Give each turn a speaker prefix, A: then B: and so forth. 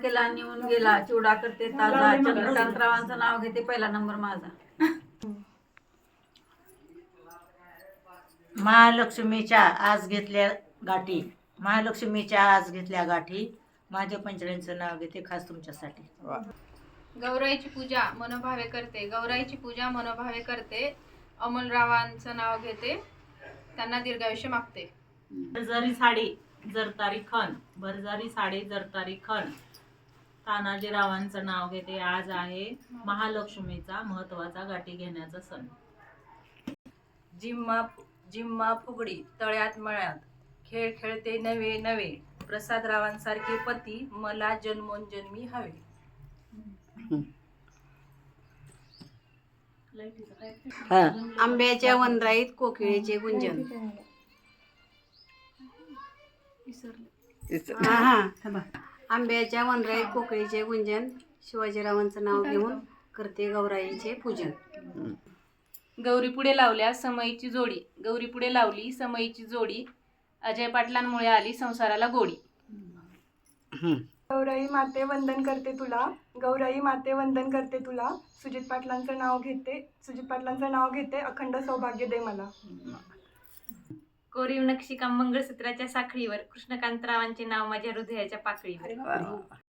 A: केला निघून गेला, चिवडा करते ताजा, चंद्रकांतरावांचं नाव घेते, पहिला नंबर माझा.
B: महालक्ष्मीच्या आज घेतल्या गाठी, महालक्ष्मीच्या आज घेतल्या गाठी, माझ्या पंचड्यांचं नाव घेते खास तुमच्यासाठी.
C: गौराईची पूजा मनोभावे करते, गौराईची पूजा मनोभावे करते, अमोलरावांचं नाव घेते, त्यांना दीर्घायुष्य मागते.
D: भरजारी साडी जरतारी खण, भरजारी साडी जरतारी खण, तानाजीरावांचं नाव घेते. आज आहे महालक्ष्मीचा महत्वाचा गाठी घेण्याचा सण.
E: जिम्मा फुगडी तळ्यात मळ्यात, खेळ खेळते नवे नवे, प्रसादरावांसारखे पती मला जन्मोनजन्मी हवे.
F: आंब्याच्या वनराईत कोकिळेचे गुंजन. आंब्याच्या वनराईत कोकिळेचे गुंजन, शिवाजीरावांचं नाव घेऊन करते गौराईचे पूजन.
C: गौरी पुढे लावल्या समईची जोडी, गौरी पुढे लावली समईची जोडी, अजय पाटलांमुळे आली संसाराला गोडी.
G: गौराई माते वंदन करते तुला, गौराई माते वंदन करते तुला, सुजित पाटलांचं नाव घेते, अखंड सौभाग्य दे मला.
C: कोरीव नक्षीकाम मंगळसूत्राच्या साखळीवर, कृष्णकांतरावांचे नाव माझ्या हृदयाच्या पाकळीवर.